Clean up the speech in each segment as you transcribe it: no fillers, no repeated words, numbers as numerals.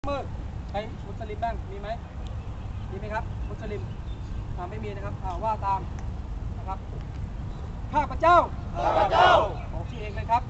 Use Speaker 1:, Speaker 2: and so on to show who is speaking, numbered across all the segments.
Speaker 1: มืดใครมุสลิมบ้างมีไหมครับมุสลิมไม่มีนะครับว่าตามนะครับข้าพเจ้าบอกชื่อเองเลยครับ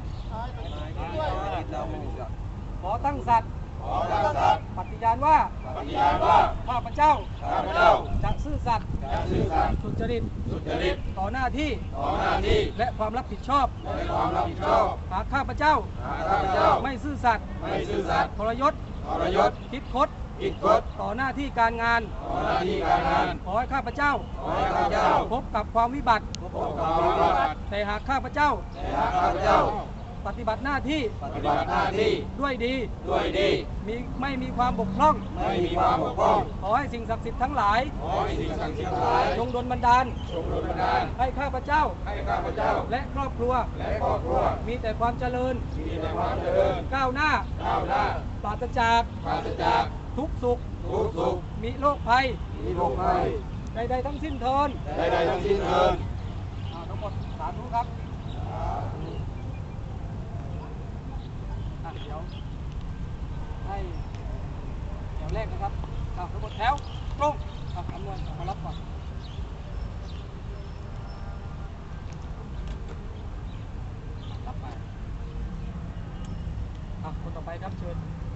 Speaker 1: ขอตั้งสัตย์ปฏิญาณว่าข้าพเจ้าจะซื่อสัตย์สุจริตต่อหน้าที่และความรับผิดชอบหากข้าพเจ้าไม่ซื่อสัตย์ทรยศคิดคดต่อหน้าที่การงานขอให้ข้าพเจ้าพบกับความวิบัติแต่หากข้าพเจ้าปฏิบัติหน้าที่ด้วยดีไม่มีความบกพร่องขอให้สิ่งศักดิ์สิทธิ์ทั้งหลายจงดลบันดาลให้ข้าพเจ้าและครอบครัวมีแต่ความเจริญก้าวหน้าปราศจากทุกสุขมีโรคภัยใดๆทั้งสิ้นเทินทั้งหมดสาธุครับเดี๋ยวให้แถวแรกนะครับทั้งหมดแถวตรงอำนวยมารับก่อนรับไปคนต่อไปครับเชิญ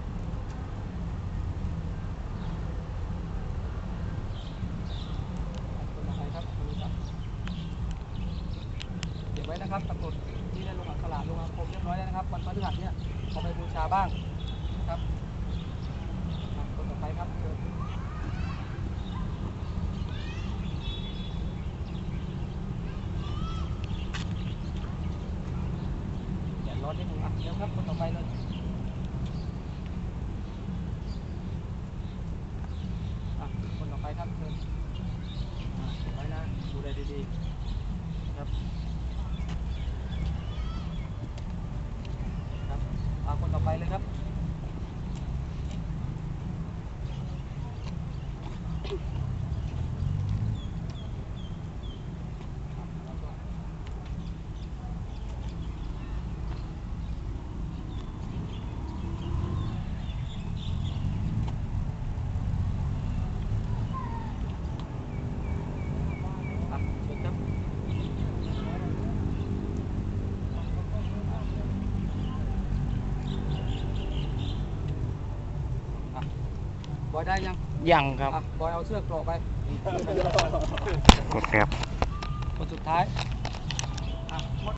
Speaker 1: เก็บไว้นะครับตำรวจที่ได้ลงอักขระลงอาคมเรียบร้อยแล้วนะครับวันพฤหัสเนี่ยเอาไปบูชาบ้างนะครับคนต่อไปครับเชิญแดดร้อนนิดนึงเดี๋ยวครับคนต่อไปเลยคนต่อไปครับเชิญไว้นะดูแลดีๆครับคนต่อไปเลยครับบอยได้ยังครับบอยเอาเสื้อกรอกไป
Speaker 2: กดครับ
Speaker 1: คนสุดท้าย